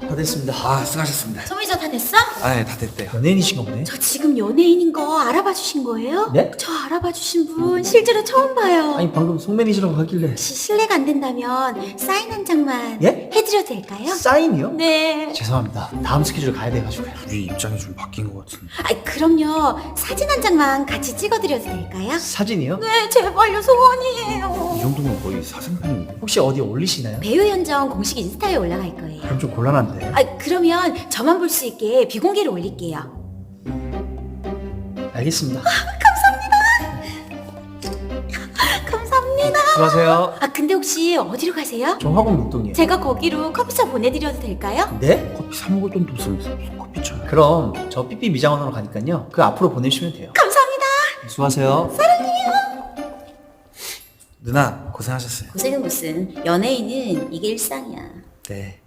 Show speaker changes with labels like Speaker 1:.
Speaker 1: 다 됐습니다.
Speaker 2: 아, 수고하셨습니다.
Speaker 3: 소미저 다 됐어?
Speaker 2: 아, 네, 다 됐대요.
Speaker 1: 연예인이신가 보네.
Speaker 3: 저 지금 연예인인 거 알아봐 주신 거예요?
Speaker 1: 네?
Speaker 3: 저 알아봐 주신 분 실제로 처음 봐요.
Speaker 1: 아니 방금 송매니시라고 하길래.
Speaker 3: 혹시 실례가 안 된다면 사인 한 장만
Speaker 1: 예?
Speaker 3: 해드려도 될까요?
Speaker 1: 사인이요?
Speaker 3: 네.
Speaker 1: 죄송합니다. 다음 스케줄 가야 돼가지고요.
Speaker 2: 우리 입장이 좀 바뀐 것 같은데.
Speaker 3: 아, 그럼요. 사진 한 장만 같이 찍어드려도 될까요?
Speaker 1: 사진이요?
Speaker 3: 네, 제발요. 소원이에요.
Speaker 2: 이 정도면 거의 사생팬인데.
Speaker 1: 혹시 어디 올리시나요?
Speaker 3: 배우 현정 공식 인스타에 올라갈 거예요.
Speaker 1: 그럼 좀 곤란한데.
Speaker 3: 아, 그러면 저만 볼 수 있게 비공개로 올릴게요.
Speaker 1: 알겠습니다.
Speaker 3: 감사합니다.
Speaker 1: 수고하세요.
Speaker 3: 아, 근데 혹시 어디로 가세요?
Speaker 1: 저 학원 목동이에요.
Speaker 3: 제가 거기로 커피숍 보내드려도 될까요?
Speaker 1: 네?
Speaker 2: 커피 사 먹을 돈도 없으면서 무슨 커피 쳐요.
Speaker 1: 그럼 저 삐삐 미장원으로 가니까요. 그 앞으로 보내주시면 돼요.
Speaker 3: 감사합니다.
Speaker 1: 수고하세요.
Speaker 2: 누나, 고생하셨어요.
Speaker 3: 고생은 무슨, 연예인은 이게 일상이야.
Speaker 2: 네.